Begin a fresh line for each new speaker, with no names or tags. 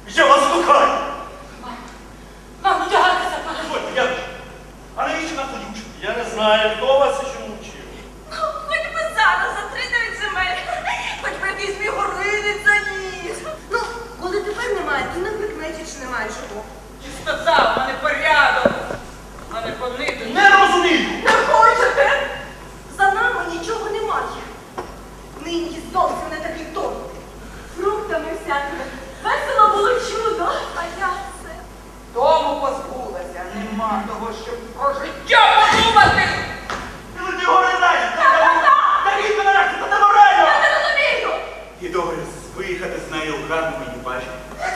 Я вас кохаю!
Мам, одягайтеся, пане.
Дозвольте, я... А навіщо нам тоді вчити? Я не знаю, хто вас і чому вчив.
Хоч би зараз за 39 земель, хоч би якийсь мій горинець заніс.
Ну, коли тепер немає, то не прикметі, чи немає чого.
Чистота, в мене порядок, а не понити.
Не розумію!
Не хочете? За нами нічого немає. Нині зовсім не такий тон. Фруктами всякими. Весело було чудо, а я це.
Дому позбулася, нема того, щоб про життя подумати.
Ти леті гори знаєш! Та рідко нарешті, це неморально!
Я не розумію!
І добре, виїхати з нею в гарну мені бачити.